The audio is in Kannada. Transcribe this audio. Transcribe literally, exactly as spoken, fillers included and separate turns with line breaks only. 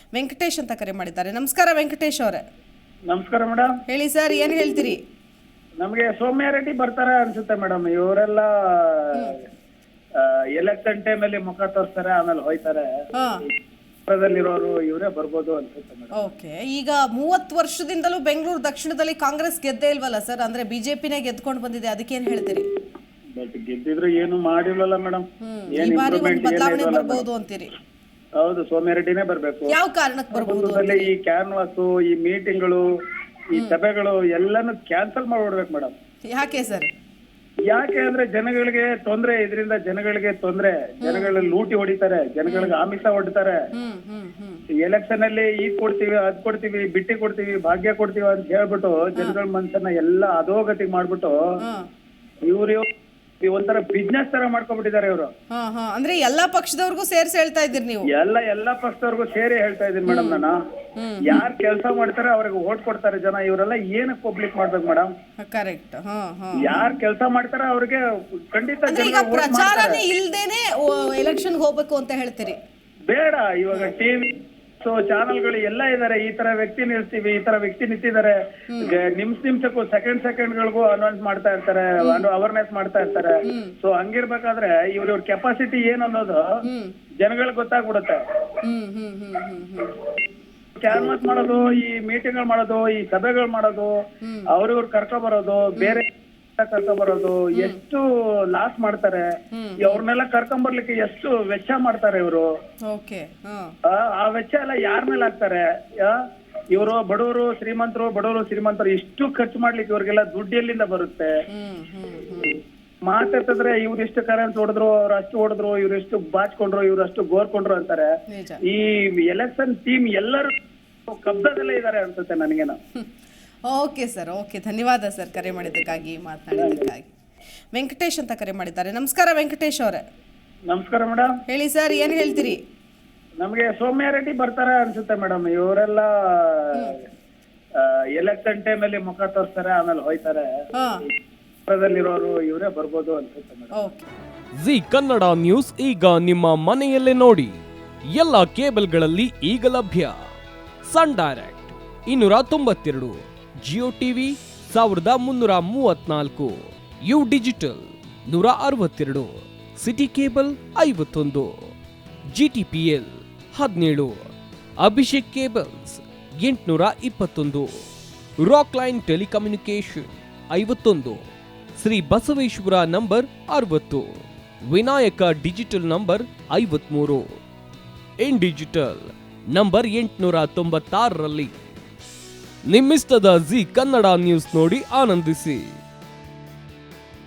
ವೆಂಕಟೇಶ್ ಅಂತ ಕರೆ ಮಾಡಿದ್ದಾರೆ. ನಮಸ್ಕಾರ ವೆಂಕಟೇಶ್ ಅವರೇ.
ನಮಸ್ಕಾರ ಮೇಡಮ್.
ಹೇಳಿ ಸರ್, ಏನ್ ಹೇಳ್ತೀರಿ?
ನಮಗೆ ಸೌಮ್ಯ ರೆಡ್ಡಿ ಬರ್ತಾರೆ ಅನ್ಸುತ್ತೆ ಮೇಡಮ್. ಇವರೆಲ್ಲ ಎಲೆಕ್ಷನ್ ಟೈಮ್ ಅಲ್ಲಿ ಮುಖ ತೋರಿಸ್ತಾರೆ, ಆಮೇಲೆ ಹೋಯ್ತಾರೆ. ಇರೋರು ಇವರೇ ಬರ್ಬೋದು ಅನ್ಸುತ್ತೆ ಮೇಡಮ್.
ಓಕೆ, ಈಗ ಮೂವತ್ತು ವರ್ಷದಿಂದಲೂ ಬೆಂಗಳೂರು ದಕ್ಷಿಣದಲ್ಲಿ ಕಾಂಗ್ರೆಸ್ ಗೆದ್ದೇ ಇಲ್ವಲ್ಲ ಸರ್? ಅಂದ್ರೆ ಬಿಜೆಪಿನೇ ಗೆದ್ಕೊಂಡು ಬಂದಿದೆ, ಅದಕ್ಕೇನ್ ಹೇಳ್ತೀರಿ?
ಬಟ್ ಗೆದ್ದಿದ್ರು ಏನು ಮಾಡಿಲ್ವಲ್ಲ ಮೇಡಮ್.
ಈ ಬಾರಿ ಒಂದು ಬದಲಾವಣೆ ಬರ್ಬೋದು ಅಂತೀರಿ?
ಹೌದು, ಸೌಮ್ಯ ರೆಡ್ಡಿನೇ ಬರ್ಬೇಕು.
ಯಾವ ಕಾರಣಕ್ಕೆ ಬರ್ಬೋದು?
ಈ ಕ್ಯಾನ್ವಾಸ್, ಈ ಮೀಟಿಂಗ್ಗಳು, ಈ ಸಭೆಗಳು ಎಲ್ಲಾನು ಕ್ಯಾನ್ಸಲ್ ಮಾಡ್ಬಿಡ್ಬೇಕು ಮೇಡಮ್.
ಯಾಕೆ ಸರ್?
ಯಾಕೆ ಅಂದ್ರೆ ಜನಗಳಿಗೆ ತೊಂದ್ರೆ, ಇದರಿಂದ ಜನಗಳಿಗೆ ತೊಂದ್ರೆ, ಜನಗಳ ಲೂಟಿ ಹೊಡಿತಾರೆ, ಜನಗಳಿಗೆ ಆಮಿಷ ಹೊಡಿತಾರೆ. ಎಲೆಕ್ಷನ್ ಅಲ್ಲಿ ಈಗ ಕೊಡ್ತೀವಿ, ಅದ್ ಕೊಡ್ತೀವಿ, ಬಿಟ್ಟಿ ಕೊಡ್ತೀವಿ, ಭಾಗ್ಯ ಕೊಡ್ತೀವಿ ಅಂತ ಹೇಳ್ಬಿಟ್ಟು ಜನಗಳ ಮನಸ್ಸನ್ನ ಎಲ್ಲ ಅಧೋಗತಿ ಮಾಡ್ಬಿಟ್ಟು ಇವ್ರು ಒಂಥರ ಬಿಸ್ನೆಸ್ ತರ ಮಾಡ್ಕೊಂಡ್ಬಿಟ್ಟಿದ್ದಾರೆ ಇವರು.
ಅಂದ್ರೆ ಎಲ್ಲಾ ಪಕ್ಷದವ್ರಿಗೂ ಸೇರ್ಸಿ ಹೇಳ್ತಾ ಇದ್ದೀರಿ ನೀವು?
ಎಲ್ಲ ಎಲ್ಲಾ ಪಕ್ಷದವ್ರಿಗೂ ಸೇರಿ ಹೇಳ್ತಾ ಇದೀನಿ ಮೇಡಮ್. ನಾನು ಯಾರ್ ಕೆಲಸ ಮಾಡ್ತಾರೆ ಅವ್ರಿಗೆ ಓಟ್ ಕೊಡ್ತಾರೆ ಜನ. ಇವರೆಲ್ಲ ಏನಕ್ಕೆ ಪಬ್ಲಿಕ್ ಮಾಡ್ಬೇಕು ಮೇಡಮ್?
ಕರೆಕ್ಟ್.
ಯಾರ್ ಕೆಲಸ ಮಾಡ್ತಾರೆ ಅವ್ರಿಗೆ ಖಂಡಿತ
ಪ್ರಚಾರನೇ ಇಲ್ದೇನೆ ಎಲೆಕ್ಷನ್ ಹೋಗ್ಬೇಕು ಅಂತ ಹೇಳ್ತೀರಿ?
ಬೇಡ, ಇವಾಗ ಟಿವಿ ಚಾನಲ್ಗಳು ಎಲ್ಲ ಇದಾರೆ. ಈ ತರ ವ್ಯಕ್ತಿ ನಿಲ್ಸ್ತೀವಿ, ಈ ತರ ವ್ಯಕ್ತಿ ನಿಂತಿದ್ದಾರೆ, ನಿಮಿಷ ನಿಮಿಷಕ್ಕೂ ಸೆಕೆಂಡ್ ಸೆಕೆಂಡ್ ಗಳಿಗೂ ಅನೌನ್ಸ್ ಮಾಡ್ತಾ ಇರ್ತಾರೆ, ಅವೇರ್ನೆಸ್ ಮಾಡ್ತಾ ಇರ್ತಾರೆ. ಸೊ ಹಂಗಿರ್ಬೇಕಾದ್ರೆ ಇವ್ರ ಇವ್ರ ಕೆಪಾಸಿಟಿ ಏನ್ ಅನ್ನೋದು ಜನಗಳಿಗೆ ಗೊತ್ತಾಗ್ಬಿಡುತ್ತೆ. ಕ್ಯಾನ್ವಾಸ್ ಮಾಡೋದು, ಈ ಮೀಟಿಂಗ್ ಮಾಡೋದು, ಈ ಸಭೆಗಳು ಮಾಡೋದು, ಅವ್ರಿವ್ರು ಕರ್ಕೊ ಬರೋದು, ಬೇರೆ ಕರ್ಕೊ ಬರೋದು, ಎಷ್ಟು ಲಾಸ್ ಮಾಡ್ತಾರೆ. ಅವ್ರನ್ನೆಲ್ಲ ಕರ್ಕೊಂಡ್ ಬರ್ಲಿಕ್ಕೆ ಎಷ್ಟು ವೆಚ್ಚ ಮಾಡ್ತಾರೆ ಇವರು. ಆ ವೆಚ್ಚ ಎಲ್ಲ ಯಾರ ಮೇಲೆ ಹಾಕ್ತಾರೆ? ಇವರು ಬಡವರು ಶ್ರೀಮಂತರು, ಬಡವರು ಶ್ರೀಮಂತರು, ಇಷ್ಟು ಖರ್ಚು ಮಾಡ್ಲಿಕ್ಕೆ ಇವ್ರಿಗೆಲ್ಲ ದುಡ್ಡು ಎಲ್ಲಿಂದ ಬರುತ್ತೆ? ಮಾತಾಡ್ತಿದ್ರೆ ಇವ್ರು ಎಷ್ಟು ಕರೆನ್ಸ್ ಹೊಡೆದ್ರು, ಅವ್ರು ಅಷ್ಟು ಹೊಡೆದ್ರು, ಇವ್ರು ಎಷ್ಟು ಬಾಚ್ಕೊಂಡ್ರು, ಇವ್ರು ಅಷ್ಟು ಗೋರ್ಕೊಂಡ್ರು ಅಂತಾರೆ. ಈ ಎಲೆಕ್ಷನ್ ಟೀಮ್ ಎಲ್ಲರೂ ಕಬ್ಜದಲ್ಲೇ ಇದಾರೆ ಅನ್ಸುತ್ತೆ ನನಗೇನು.
ಓಕೆ ಸರ್, ಓಕೆ, ಧನ್ಯವಾದ ಸರ್ ಕರೆ ಮಾಡಿದ್ದಕ್ಕಾಗಿ, ಮಾತನಾಡಿದ್ದಕ್ಕಾಗಿ. ವೆಂಕಟೇಶ್ ಅಂತ ಕರೆ ಮಾಡಿದ್ದಾರೆ. ನಮಸ್ಕಾರ ವೆಂಕಟೇಶ್ ಅವರೇ.
ನಮಸ್ಕಾರ ಮೇಡಮ್.
ಹೇಳಿ ಸರ್, ಏನ್ ಹೇಳ್ತೀರಿ?
ನಮಗೆ ಸೌಮ್ಯ ರೆಡ್ಡಿ ಬರ್ತಾರೆ ಅನ್ಸುತ್ತೆ ಮೇಡಮ್. ಇವರೆಲ್ಲ ಎಲೆಕ್ಷನ್ ಟೈಮ್ ಅಲ್ಲಿ ಮುಖ ತೋರಿಸ್ತಾರೆ, ಆಮೇಲೆ ಹೋಯ್ತಾರೆ. ಇರೋರು ಇವರೇ ಬರ್ಬೋದು ಅನ್ಸುತ್ತೆ ಮೇಡಮ್.
ಜಿ ಕನ್ನಡ ನ್ಯೂಸ್ ಈಗ ನಿಮ್ಮ ಮನೆಯಲ್ಲೇ ನೋಡಿ. ಎಲ್ಲ ಕೇಬಲ್ಗಳಲ್ಲಿ ಈಗ ಲಭ್ಯ. ಸನ್ ಡೈರೆಕ್ಟ್ ಇನ್ನೂರ ತೊಂಬತ್ತೆರಡು, ಜಿಯೋ ಟಿವಿ ಸಾವಿರದ ಮುನ್ನೂರ ಮೂವತ್ನಾಲ್ಕು, ಯು ಡಿಜಿಟಲ್ ನೂರ ಅರವತ್ತೆರಡು, ಸಿಟಿ ಕೇಬಲ್ ಐವತ್ತೊಂದು, ಜಿಟಿಪಿಎಲ್ ಹದಿನೇಳು, ಅಭಿಷೇಕ್ ಕೇಬಲ್ಸ್ ಎಂಟುನೂರ ಇಪ್ಪತ್ತೊಂದು, ರಾಕ್ ಲೈನ್ ಟೆಲಿಕಮ್ಯುನಿಕೇಶನ್ ಐವತ್ತೊಂದು, ಶ್ರೀ ಬಸವೇಶ್ವರ ನಂಬರ್ ಅರವತ್ತು, ವಿನಾಯಕ ಡಿಜಿಟಲ್ ನಂಬರ್ ಐವತ್ಮೂರು, ಇನ್ ಡಿಜಿಟಲ್ ನಂಬರ್ ಎಂಟುನೂರ ತೊಂಬತ್ತಾರರಲ್ಲಿ. ನಿಮ್ಮಿಸ್ತದ ಜಿ ಕನ್ನಡ ನ್ಯೂಸ್ ನೋಡಿ ಆನಂದಿಸಿ.